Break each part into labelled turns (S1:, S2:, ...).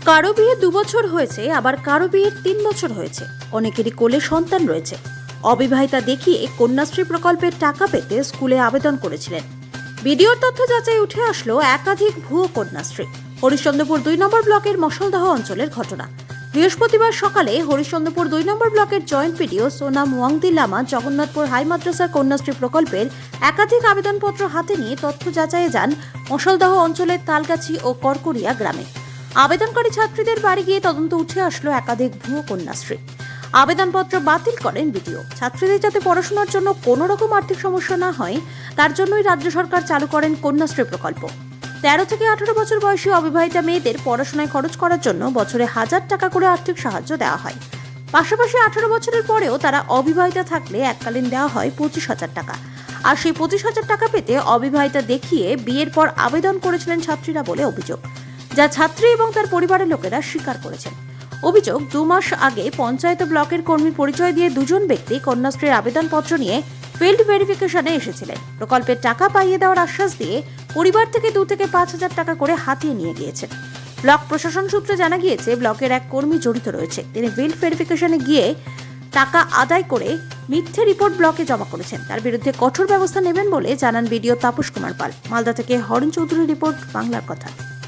S1: কারো বিয়ে 2 বছর হয়েছে, আবার কারো বিয়ের 3 বছর হয়েছে। অনেকেরই কোলে সন্তান রয়েছে। অবিবাহিতা দেখিয়ে কন্যাশ্রী প্রকল্পের টাকা পেতে স্কুলে আবেদন করেছিলেন। ভিডিওর তথ্য যাচাই উঠে আসলো একাধিক ভুয়ো কন্যাশ্রী। হরিশ্চন্দ্রপুর 2 নম্বর ব্লকের মশলদহ অঞ্চলের ঘটনা। বৃহস্পতিবার সকালে হরিশ্চন্দ্রপুর 2 নম্বর ব্লকের joint PDO Sonam Wangdi Lama Jagannathpur high মাদ্রাসার কন্যাশ্রী প্রকল্পের একাধিক আবেদনপত্র হাতে নিয়ে তথ্য যাচাইয়ে যান মশলদহ অঞ্চলের তালগাছি ও করকরিয়া গ্রামে। আবেদনকারী ছাত্রীদের বাড়ি গিয়ে তদন্ত উঠে আসলো একাধিক ভুয়ো কন্যাশ্রী। আবেদনপত্র বাতিল করেন বিডিও। ছাত্রীদের যাতে পড়াশোনার জন্য কোনো রকম আর্থিক সমস্যা না হয় তার জন্যই রাজ্য সরকার চালু করেন কন্যাশ্রী প্রকল্প। 13 থেকে 18 বছর বয়সী অবিবাহিতা মেয়েদের পড়াশোনায় খরচ করার জন্য বছরে 1000 টাকা করে আর্থিক সাহায্য দেওয়া হয়। পাশাপাশি 18 বছরের পরেও তারা অবিবাহিতা থাকলে এককালীন দেওয়া হয় 25,000 টাকা। আর সেই 25,000 টাকা পেতে অবিবাহিতা দেখিয়ে বিয়ের পর আবেদন করেছিলেন ছাত্রীরা বলে অভিযোগ, যা ছাত্রী এবং তার পরিবারের লোকেরা স্বীকার করেছেন। অভিযোগ, 2 মাস আগে পঞ্চায়েত ব্লকের কর্মী পরিচয় দিয়ে দুজন ব্যক্তি কন্যাশ্রীর আবেদনপত্র নিয়ে ফিল্ড ভেরিফিকেশনে এসেছিলেন। প্রকল্পের টাকা পাইয়ে দেওয়ার আশ্বাস দিয়ে পরিবার থেকে 2 থেকে 5,000 টাকা করে হাতিয়ে নিয়ে গিয়েছেন। ব্লক প্রশাসন সূত্রে জানা গিয়েছে, ব্লকের এক কর্মী জড়িত রয়েছে। তিনি ফিল্ড ভেরিফিকেশনে গিয়ে টাকা আদায় করে মিথ্যে রিপোর্ট ব্লকে জমা করেছেন। তার বিরুদ্ধে কঠোর ব্যবস্থা নেবেন বলে জানান বিডিও তাপস কুমার পাল। মালদা থেকে হরেন চৌধুরী রিপোর্ট, বাংলার কথা।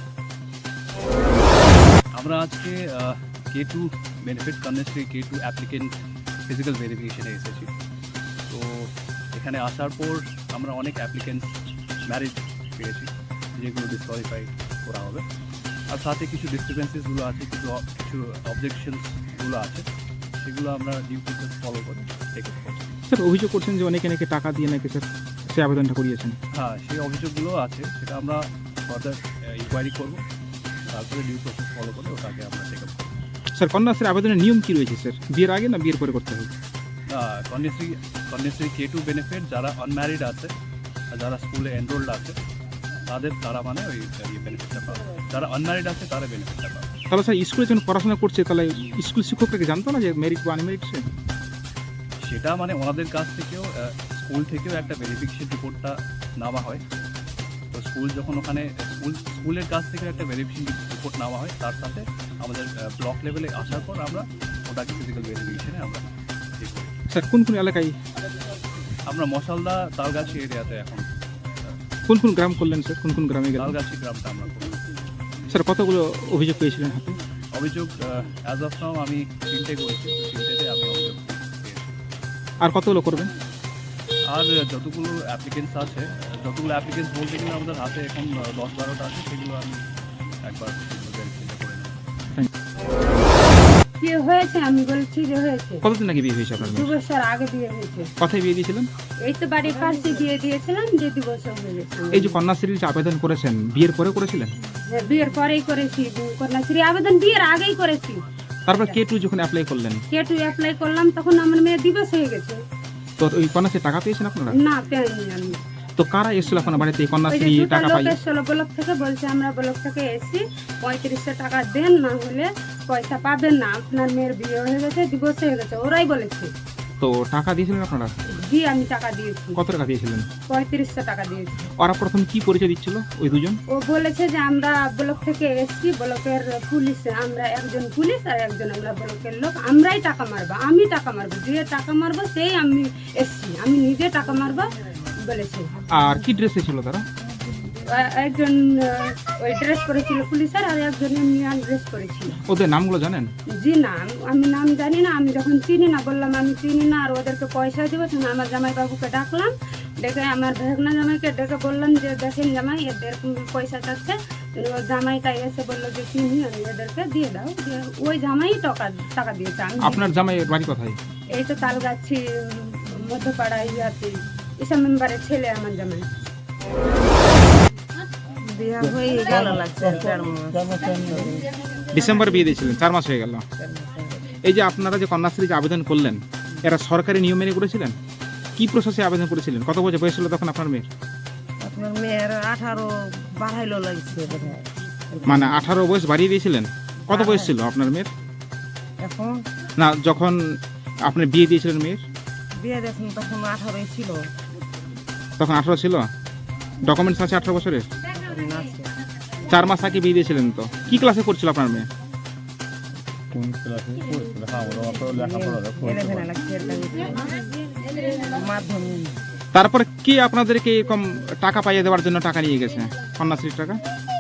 S2: আমরা আজকে K2 benefit Kanyashree K2 applicant physical ভেরিফিকেশনে এসেছি। তো এখানে আসার পর আমরা অনেক অ্যাপ্লিকেন্ট ম্যারিজ পেয়েছি, যেগুলো ডিসকোয়ালিফাই করা হবে। আর সাথে কিছু ডিস্টারবেন্সেসগুলো আছে, কিছু অবজেকশনসগুলো আছে, সেগুলো আমরা ডিউ প্রসেস ফলো করে টেক আপ করছি।
S3: স্যার, অভিযোগ করছেন যে অনেকে নাকি টাকা দিয়ে নাকি স্যার সে আবেদনটা করিয়েছেন।
S2: হ্যাঁ, সেই অভিযোগগুলো আছে, সেটা আমরা ফার্দার ইনকোয়ারি করবো, তারপরে ডিউ প্রসেস ফলো করে ওটাকে আমরা টেক আপ করবো।
S3: স্যার, কন্যাশ্রীর আবেদনের নিয়ম কি রয়েছে স্যার? বিয়ের আগে না বিয়ের পরে করতে হবে?
S2: কন্যাশ্রী K2 বেনিফিট যারা আনম্যারিড আছে আর যারা স্কুলে এনরোল্ড আছে তারা মানে ওই বেনিফিটটা পাবে। যারা আনম্যারিড আছে তারা বেনিফিটটা পাবে।
S3: তাহলে স্যার, স্কুলে যখন পড়াশোনা করছে তাহলে স্কুল শিক্ষকরা কি জানতো না যে মেরিট বা আনমেরিট?
S2: সেটা মানে ওনাদের কাছ থেকেও স্কুল থেকেও একটা ভেরিফিকেশন রিপোর্টটা নেওয়া হয়। তো স্কুল যখন ওখানে স্কুলের কাছ থেকে একটা ভেরিফিকেশন রিপোর্ট নেওয়া হয়, তার সাথে আমাদের ব্লক লেভেলে আসার পর আমরা ওটাকে ফিজিক্যাল ভেরিফিকেশনে আমরা ঠিক করি।
S3: স্যার, কোন কোন এলাকায়?
S2: আমরা মশালদা তালগাছি এরিয়াতে এখন।
S3: কোন কোন গ্রাম করলেন স্যার? কোন কোন গ্রামে গেলেন?
S2: তালগাছি গ্রামটা আমরা করি।
S3: স্যার, কতগুলো অভিযোগ পেয়েছিলেন হাতে?
S2: অভিযোগ অ্যাজ অফ নাও আমি 3টে করেছি, 3টেতে আমি অভিযোগ পেয়েছি।
S3: আর কতগুলো করবেন?
S2: আর যতগুলো অ্যাপ্লিকেন্টস বলতে গেলে আমাদের হাতে এখন 10-12টা আছে, সেগুলো আমি একবার ভেরিফাই করে নেব।
S4: বিয়ে হয়েছে, আমি বলছি যে হয়েছে।
S3: কতদিন আগে বিয়ে হয়েছে আপনার?
S4: 2 বছর আগে বিয়ে হয়েছে।
S3: কোথায় বিয়ে দিয়েছিলেন?
S4: এই তো বাড়ির পাশে বিয়ে দিয়েছিলাম, যে 2 বছর হয়ে গেছে।
S3: এই যে কন্যাশ্রীর যে আবেদন করেছেন, বিয়ের পরে করেছিলেন?
S4: হ্যাঁ, বিয়ের পরেই করেছি। কন্যাশ্রী আবেদন বিয়ের আগেই করেছি।
S3: তারপর K2 যখন অ্যাপ্লাই করলেন,
S4: K2 অ্যাপ্লাই করলাম, তখন আমার মেয়ে দিবস হয়ে গেছে।
S3: তো ওই কন্যাশ্রীর টাকা পেয়েছেন আপনারা?
S4: না, পাইনি আমি।
S3: তো কারা এসেছিল আপনার বাড়িতে এই
S4: ওই যে
S3: কন্যাশ্রী
S4: 2টা
S3: টাকা
S4: লোক
S3: পাই?
S4: এসেছিল ব্লক থেকে, বলছে আমরা ব্লক থেকে এসেছি, 3500 টাকা দেন, না হলে পয়সা পাবেন না, আপনার মেয়ের বিয়ে হয়ে গেছে, দিবস হয়ে গেছে, ওরাই বলেছে।
S3: তো টাকা দিয়েছিলেন আপনারা?
S4: দিয়ে আমি টাকা দিয়েছি।
S3: কত টাকা দিয়েছিলেন?
S4: 3500 টাকা দিয়েছি।
S3: ওরা প্রথম কি পরিচয় দিচ্ছিল ওই দুজন?
S4: ও বলেছে যে আমরা ব্লক থেকে এসেছি, ব্লকের পুলিশ, আমরা একজন পুলিশ আর একজন আমরা ব্লকের লোক, আমরাই টাকা মারবো, আমি টাকা মারবো, যে টাকা মারবো সেই আমি এসেছি, আমি নিজে টাকা মারবো বলেছে।
S3: আর কি ড্রেসে ছিল তারা?
S4: একজন ওই ড্রেস পরেছিল পুলিশের, আর একজন এমনি ড্রেস পরেছিল।
S3: ওদের নামগুলো জানেন?
S4: জি না, আমি নাম জানি না। আমি যখন চিনি না, বললাম আমি চিনি না, আর ওদেরকে পয়সা দিব, তখন আমার জামাই বাবুকে ডাকলাম, ডেকে আমার ভেগনা জামাইকে ডেকে বললাম যে দেখেন জামাই, এদের পয়সা চাচ্ছে। ওই জামাইটা এসে বললো যে চিনি, আমি এদেরকে দিয়ে দাও। ওই জামাই টাকা দিয়েছে।
S3: আপনার জামাইয়ের বাড়ি কোথায়?
S4: এই তো তালগাছি মধ্যপাড়া ইয়াতে, এসব মেম্বারের ছেলে আমার জামাই।
S3: ডিসেম্বরে বিয়ে দিয়েছিলেন, 4 মাস হয়ে গেল। এই যে আপনারা যে কন্যাশ্রী যে আবেদন করলেন, এরা সরকারি নিয়ম মেনে করেছিলেন? কি প্রসেসে আবেদন করেছিলেন? কত বছর বয়স ছিল তখন আপনার মেয়ের?
S5: আপনার মেয়ের 18 বাড়াইলো লাগছে।
S3: মানে 18 বয়স বাড়িয়ে দিয়েছিলেন? কত বয়স ছিল আপনার মেয়ের
S5: এখন?
S3: না, যখন আপনি বিয়ে দিয়েছিলেন মেয়ের?
S5: বিয়ে দিয়েছেন তখন 18 ছিল।
S3: তখন 18 ছিল? ডকুমেন্টস আছে 18 বছরের?
S5: আছে।
S3: 4 মাস আগে বিয়ে দিয়েছিলেন। তো কি ক্লাসে পড়ছিল আপনার মেয়ে?
S6: কোন ক্লাসে পড়ছিল? হ্যাঁ, ওরা অত লেখাপড়া করতে পারে।
S5: মাধ্যমিক
S3: তারপরে কি আপনাদেরকে এরকম টাকা পাইয়ে দেওয়ার জন্য টাকা নিয়ে গেছে, কন্যাশ্রীর টাকা?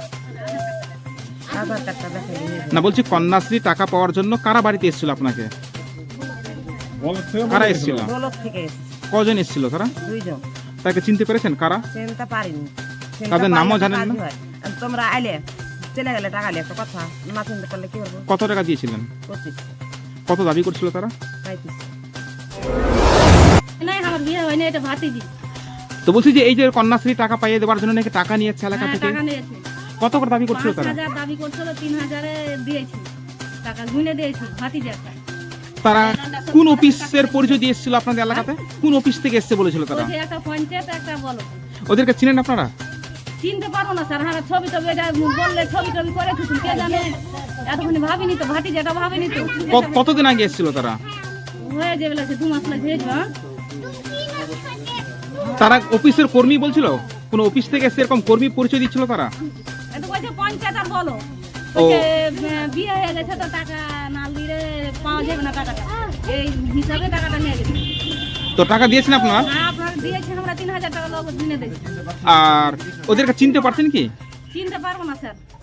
S5: আধার কার্ডটা দেখে
S3: না, বলছি কন্যাশ্রী টাকা পাওয়ার জন্য কারা বাড়িতে এসেছিল আপনাকে?
S6: বলত থেকে
S3: কারা
S6: বলেছিল।
S3: এসেছিল?
S5: দৌলত থেকে এসেছে
S3: কজন এসেছিল তারা?
S5: 2 জন।
S3: তাকে চিনতে পেরেছেন কারা?
S5: চিনতে পারিনি। চিনতে
S3: তাদের
S5: পারলে
S3: নামও
S5: তো
S3: জানেন
S5: কাজই
S3: না?
S5: হয়। আর তোমরা আইলে চলে গেলে টাকা নিয়ে একটা কথা, না চিনতে পারলে কি করবো?
S3: কত টাকা দিয়েছিলেন?
S5: 25
S3: কত দাবি করছিল তারা?
S5: 35।
S7: না আমার বিয়ে হয়নি, এটা ভাতিজি।
S3: তো বলছি যে এই যে কন্যাশ্রী টাকা পাইয়ে দেওয়ার জন্য নাকি টাকা নিয়েছে এলাকা
S7: হ্যাঁ,
S3: থেকে,
S7: টাকা নিয়েছি।
S3: কত করে দাবি করছিল তারা?
S7: 5,000 দাবি করছিল, 3,000 দিয়েছি। টাকা গুনে দিয়েছি ভাতিজি একটা।
S3: তারা কোন অফিসের পরিচয় দিয়ে এসেছিল আপনাদের এলাকাতে? কোন অফিস থেকে এসেছে বলেছিল তারা?
S7: ওই যে একটা পঞ্চায়েত একটা বলো।
S3: ওদেরকে চিনেন আপনারা?
S7: চিনতে পারবো না স্যার, হ্যাঁ ছবি টবি এটা বললে ছবি টবি করে কিছু কে জানে, এতক্ষণ ভাবিনি তো, ভাতিজি এটা ভাবিনি তো।
S3: কতদিন আগে এসেছিল তারা?
S7: হয়ে যাবে লাগছে 2 মাস লাগছে। হ্যাঁ
S3: তারা অফিসের কর্মী বলছিল? কোন অফিস থেকে এসে এরকম কর্মী পরিচয় দিচ্ছিল তারা?
S7: এটা বলছে পঞ্চায়েত আর বলো।
S3: ও।
S7: বলছে, বিয়ে হয়ে গেছে তো টাকা না দিলে পাওয়া যাবে না টাকাটা, এই হিসাবে টাকাটা নিয়ে গেছে।
S3: তো টাকা দিয়েছেন আপনারা?
S7: হ্যাঁ আপনারা দিয়েছেন, আমরা 3,000 টাকা লোক দিনে দিয়েছি।
S3: আর ওদেরকে চিনতে পারছেন কি?
S7: চিনতে পারবো না স্যার।